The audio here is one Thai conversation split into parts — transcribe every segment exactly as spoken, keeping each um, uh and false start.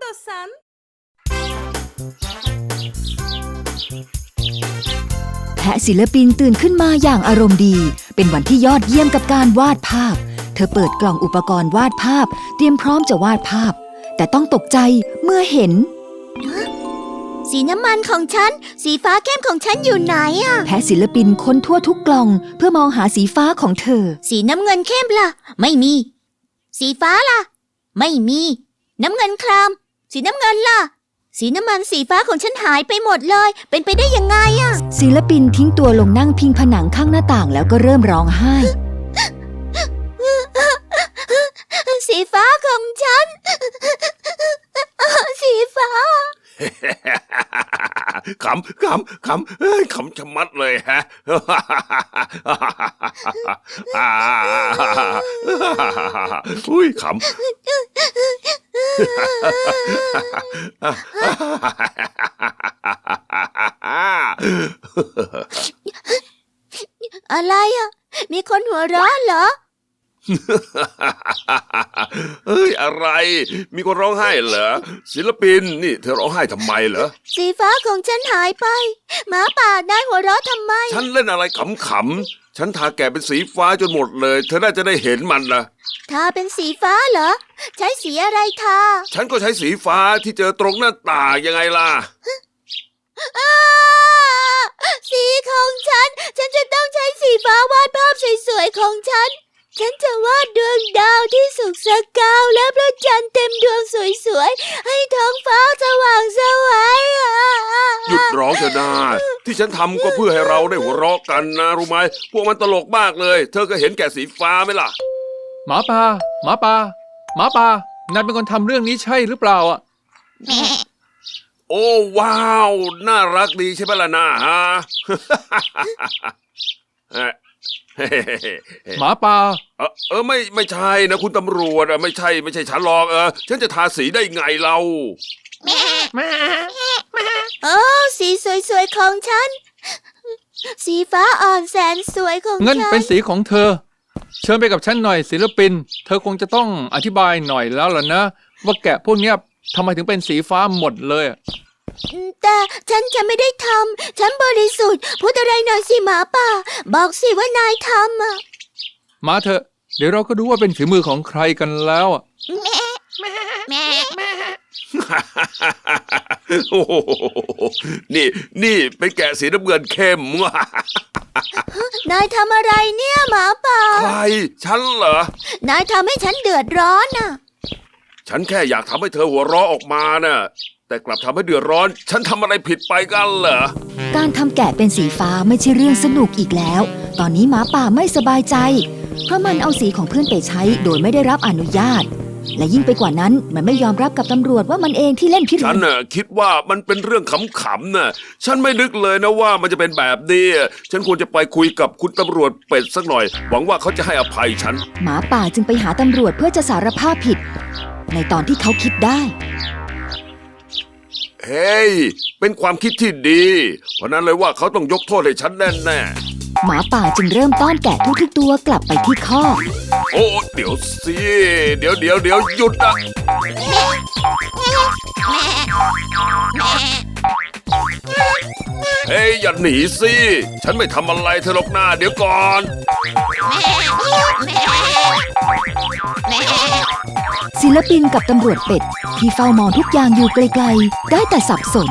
istiyorsan. แพะศิลปินตื่นขึ้นมาอย่างอารมณ์ดีเป็นวันที่ยอดเยี่ยมกับการวาดภาพเธอเปิดกล่องอุปกรณ์วาดภาพเตรียมพร้อมจะวาดภาพแต่ต้องตกใจเมื่อเห็นสีน้ำมันของฉันสีฟ้าเข้มของฉันอยู่ไหนอะแพะศิลปินค้นทั่วทุกกล่องเพื่อมองหาสีฟ้าของเธอสีน้ำเงินเข้มล่ะไม่มีสีฟ้าล่ะไม่มีน้ำเงินครามสีน้ำเงินล่ะสีน้ำมันสีฟ้าของฉันหายไปหมดเลยเป็นไปได้ยังไงอะศิลปินทิ้งตัวลงนั่งพิงผนังข้างหน้าต่างแล้วก็เริ่มร้องไห้สีฟ้าของฉันสีฟ้าขำขำขำขำชะมัดเลยฮะอุ้ยขำอะไรอ่ะมีคนหัวเราะเหรอเอ้ยอะไรมีคนร้องไห้เหรอศิลปินนี่เธอร้องไห้ทำไมเหรอสีฟ้าของฉันหายไปหมาป่านายหัวเราะทำไมฉันเล่นอะไรขำๆฉันทาแกะเป็นสีฟ้าจนหมดเลยเธอน่าจะได้เห็นมันนะทาเป็นสีฟ้าเหรอใช้สีอะไรทาฉันก็ใช้สีฟ้าที่เจอตรงหน้าต่างยังไงล่ะสีของฉันฉันจะต้องใช้สีฟ้าวาดภาพสวยๆของฉันฉันจะวาดดวงดาวที่สุกสกาวและพระจันทร์เต็มดวงสวยๆให้ท้องฟ้าสว่างสวยหยุดร้องเถอะนะที่ฉันทำก็เพื่อให้เราได้หัวเราะกันนะรู้ไหมพวกมันตลกมากเลยเธอก็เห็นแก่สีฟ้าไหมล่ะหมาป่าหมาป่าหมาป่านายเป็นคนทำเรื่องนี้ใช่หรือเปล่าอ่ะโอ้ว้าวน่ารักดีใช่ไหมล่ะนะฮะหมาป่าเออเออไม่ไม่ใช่นะคุณตำรวจอะไม่ใช่ไม่ใช่ฉันหรอกเออฉันจะทาสีได้ไงเราโอ้สีสวยๆของฉันสีฟ้าอ่อนแสนสวยของฉันงั้นเป็นสีของเธอเชิญไปกับฉันหน่อยศิลปินเธอคงจะต้องอธิบายหน่อยแล้วล่ะนะว่าแกะพวกเนี้ยทำไมถึงเป็นสีฟ้าหมดเลยแต่ฉันจะไม่ได้ทำฉันบริสุทธิ์พูดอะไรหน่อยสิหมาป่าบอกสิว่านายทำอ่ะมาเถอะเดี๋ยวเราก็ดูว่าเป็นฝีมือของใครกันแล้วอ่ะแม่แม่แม่โอ้โหนี่นี่เป็นแกะสีน้ำเงินเข้มนายทำอะไรเนี่ยหมาป่าใครฉันเหรอนายทำให้ฉันเดือดร้อนน่ะฉันแค่อยากทำให้เธอหัวเราะออกมาน่ะแต่กลับทำให้เดือดร้อนฉันทำอะไรผิดไปกันเหรอการทำแกะเป็นสีฟ้าไม่ใช่เรื่องสนุกอีกแล้วตอนนี้หมาป่าไม่สบายใจเพราะมันเอาสีของเพื่อนไปใช้โดยไม่ได้รับอนุญาตและยิ่งไปกว่านั้นมันไม่ยอมรับกับตำรวจว่ามันเองที่เล่นพิรุธฉันน่ะคิดว่ามันเป็นเรื่องขำๆน่ะฉันไม่นึกเลยนะว่ามันจะเป็นแบบนี้ฉันควรจะไปคุยกับคุณตำรวจเป็ดสักหน่อยหวังว่าเขาจะให้อภัยฉันหมาป่าจึงไปหาตำรวจเพื่อจะสารภาพผิดในตอนที่เขาคิดได้เฮ้ยเป็นความคิดที่ดีเพราะนั้นเลยว่าเขาต้องยกโทษให้ฉันแน่แน่หมาป่าจึงเริ่มต้อนแกะทุกๆตัวกลับไปที่คอกโอ้เดี๋ยวสิเดี๋ยวเดี๋ยวเดี๋ยวหยุดนะเฮ้ยอย่าหนีสิฉันไม่ทำอะไรเธอหรอกนะเดี๋ยวก่อนศิลปินกับตำรวจเป็ดที่เฝ้ามองทุกอย่างอยู่ไกลๆได้แต่สับสน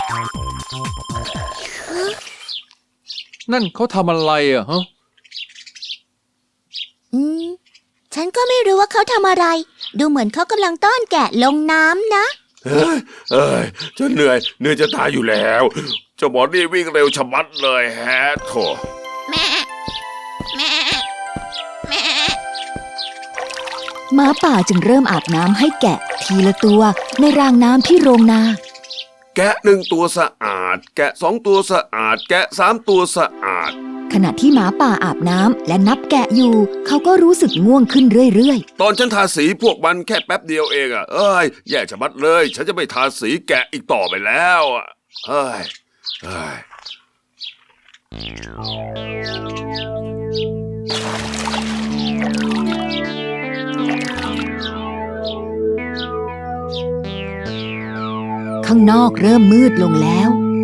นั่นเขาทำอะไรอ่ะฮะอืมฉันก็ไม่รู้ว่าเขาทำอะไรดูเหมือนเขากำลังต้อนแกะลงน้ำนะเฮ้ยเอ้ยฉันเหนื่อยเหนื่อยจะตายอยู่แล้วเจ้าหมอนี่วิ่งเร็วชะมัดเลยแฮะโถแม่แม่แม่หมาป่าจึงเริ่มอาบน้ำให้แกะทีละตัวในรางน้ำที่โรงนาแกะหนึ่งตัวสะอาดแกะสองตัวสะอาดแกะสามตัวสะอาดขณะที่หมาป่าอาบน้ำและนับแกะอยู่เขาก็รู้สึกง่วงขึ้นเรื่อยๆตอนฉันทาสีพวกมันแค่แป๊บเดียวเองอ่ะเอ้ยแย่ชะมัดเลยฉันจะไม่ทาสีแกะอีกต่อไปแล้วอ่ะเฮ้ยเฮ้ยข้างนอกเริ่มมืดลงแล้ว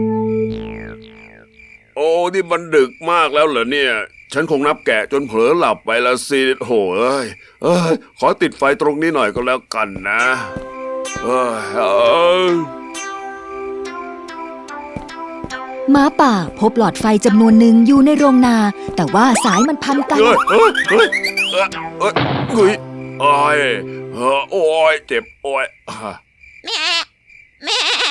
โอ้นี่มันดึกมากแล้วเหรอเนี่ย ฉันคงนับแกะจนเผลอหลับไปละสิโหเอ้ยเอ้ยขอติดไฟตรงนี้หน่อยก็แล้วกันนะเอ้ยเอ้ยหมาป่าพบหลอดไฟจำนวนหนึ่งอยู่ในโรงนา แต่ว่าสายมันพันกันเฮ้ยเฮ้ยเฮ้ยเอ้ยเอ้ยเฮ้ยโอ้ยเอ้อโอ้ยเจ็บโอ้ยอ่ะแม่แม่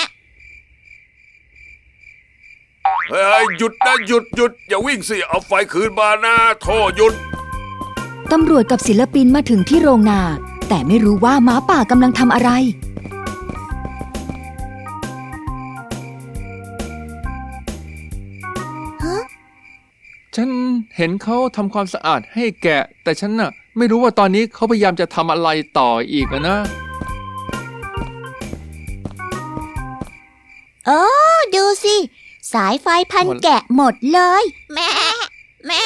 เฮ้ยหยุดนะหยุดหยุดอย่าวิ่งสิเอาไฟคืนมานะโทษหยุดตำรวจกับศิลปินมาถึงที่โรงนา แต่ไม่รู้ว่าหมาป่ากำลังทำอะไรฉันเห็นเขาทำความสะอาดให้แกะ แต่ฉันน่ะไม่รู้ว่าตอนนี้เขาพยายามจะทำอะไรต่ออีกอะนะโอ้ดูสิ สายไฟพันแกะหมดเลย แม่แม่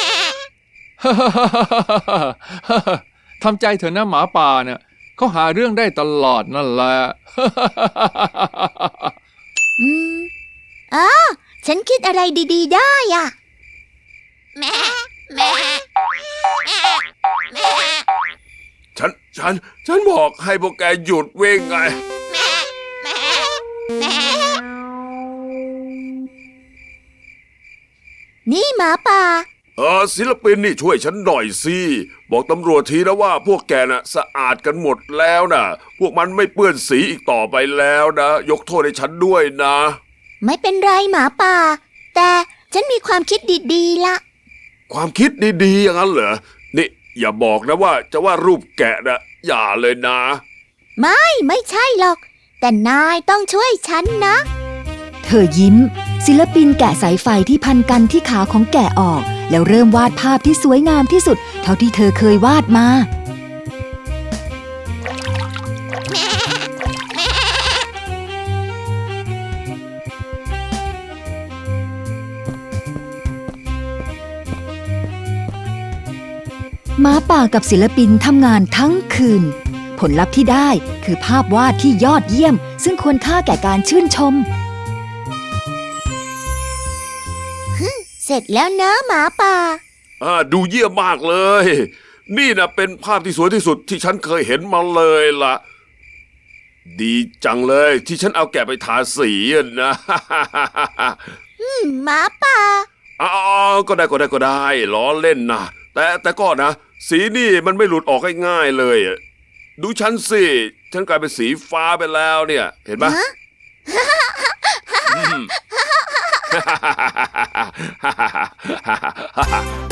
ทำใจเถอะนะหมาป่าเนี่ยเขาหาเรื่องได้ตลอดนั่นแหละอืมอ๋อฉันคิดอะไรดีๆได้อ่ะ แม่แม่แม่แม่ฉันฉันฉันบอกให้พวกแกหยุดวิ่งไงแม่แม่แม่นี่หมาป่าเออศิลปินนี่ช่วยฉันหน่อยสิบอกตำรวจทีนะว่าพวกแกน่ะสะอาดกันหมดแล้วนะพวกมันไม่เปื้อนสีอีกต่อไปแล้วนะยกโทษให้ฉันด้วยนะไม่เป็นไรหมาป่า แต่ฉันมีความคิดดีๆละความคิดดีๆอย่างนั้นเหรอนี่อย่าบอกนะว่าจะว่ารูปแกะนะอย่าเลยนะไม่ไม่ใช่หรอก แต่นายต้องช่วยฉันนะเธอยิ้ม ศิลปินแกะสายไฟที่พันกันที่ขาของแกะออก แล้วเริ่มวาดภาพที่สวยงามที่สุด เท่าที่เธอเคยวาดมา หมาป่ากับศิลปินทำงานทั้งคืน ผลลัพธ์ที่ได้คือภาพวาดที่ยอดเยี่ยม ซึ่งควรค่าแก่การชื่นชมเสร็จแล้วนะหมาป่าอ่าดูเยี่ยมมากเลย นี่นะเป็นภาพที่สวยที่สุดที่ฉันเคยเห็นมาเลยล่ะ ดีจังเลยที่ฉันเอาแกะไปทาสีอะนะหมาป่าอ๋อก็ได้ก็ได้ก็ได้ล้อเล่นนะแต่แต่ก็นะ สีนี่มันไม่หลุดออกง่ายๆเลยอะดูฉันสิฉันกลายเป็นสีฟ้าไปแล้วเนี่ย เห็นไหมฮะอืม